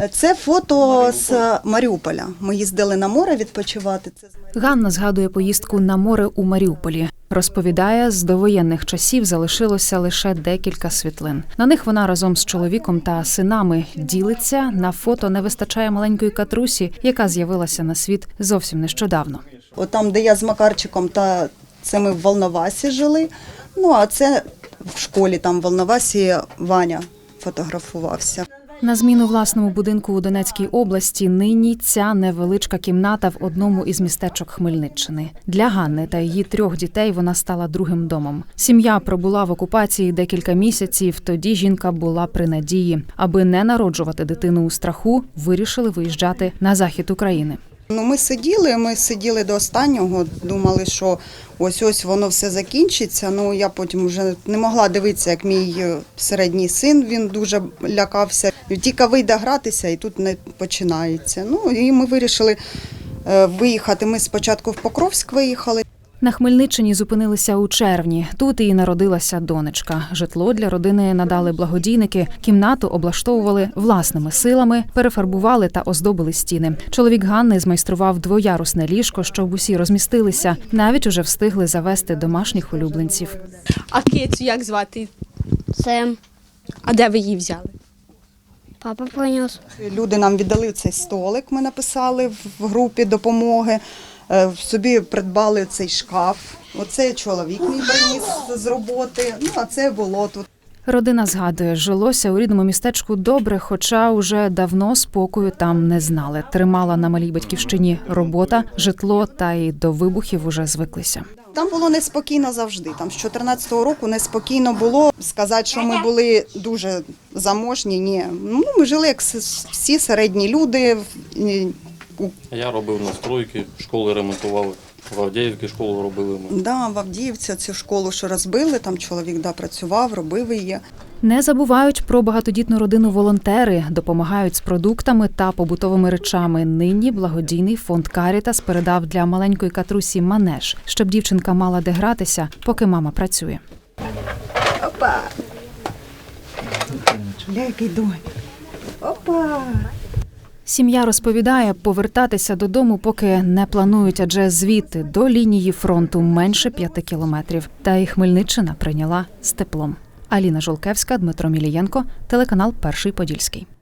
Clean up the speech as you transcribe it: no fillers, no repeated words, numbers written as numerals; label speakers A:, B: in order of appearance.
A: Це фото з Маріуполя. Ми їздили на море відпочивати.
B: Ганна згадує поїздку на море у Маріуполі. Розповідає, з довоєнних часів залишилося лише декілька світлин. На них вона разом з чоловіком та синами ділиться. На фото не вистачає маленької Катрусі, яка з'явилася на світ зовсім нещодавно.
A: От там, де я з Макарчиком, це ми в Волновасі жили. Ну, а це в школі там в Волновасі Ваня фотографувався.
B: На зміну власному будинку у Донецькій області нині ця невеличка кімната в одному із містечок Хмельниччини. Для Ганни та її 3 дітей вона стала другим домом. Сім'я пробула в окупації декілька місяців, тоді жінка була при надії. Аби не народжувати дитину у страху, вирішили виїжджати на захід України.
A: Ну, ми сиділи до останнього, думали, що ось воно все закінчиться. Ну, я потім вже не могла дивитися, як мій середній син, він дуже лякався. Тільки вийде гратися, і тут не починається. Ну, і ми вирішили виїхати. Ми спочатку в Покровськ виїхали.
B: На Хмельниччині зупинилися у червні. Тут і народилася донечка. Житло для родини надали благодійники, кімнату облаштовували власними силами, перефарбували та оздобили стіни. Чоловік Ганни змайстрував 2-ярусне ліжко, щоб усі розмістилися. Навіть уже встигли завести домашніх улюбленців.
C: А кицю як звати?
D: Сем.
C: А де ви її взяли?
D: Папа принес.
A: Люди нам віддали цей столик, ми написали в групі допомоги. Собі придбали цей шкаф. Оце чоловік мій приніс з роботи, ну а це було тут.
B: Родина згадує, жилося у рідному містечку добре, хоча уже давно спокою там не знали. Тримала на малій батьківщині робота, житло, та й до вибухів уже звиклися.
A: Там було неспокійно завжди. Там з 14-го року неспокійно було. Сказати, що ми були дуже заможні, ні. Ну, ми жили як всі середні люди.
E: Я робив настройки, школи ремонтували. В Авдіївці школу робили ми.
A: Да, в Авдіївці цю школу, що розбили, там чоловік працював, робив її.
B: Не забувають про багатодітну родину волонтери, допомагають з продуктами та побутовими речами. Нині благодійний фонд «Карітас» передав для маленької Катрусі манеж, щоб дівчинка мала де гратися, поки мама працює.
A: Опа! Чуляйки, донь. Опа!
B: Сім'я розповідає, повертатися додому поки не планують, адже звідти до лінії фронту менше 5 кілометрів. Та і Хмельниччина прийняла з теплом. Аліна Жолкевська, Дмитро Мілієнко, телеканал «Перший Подільський».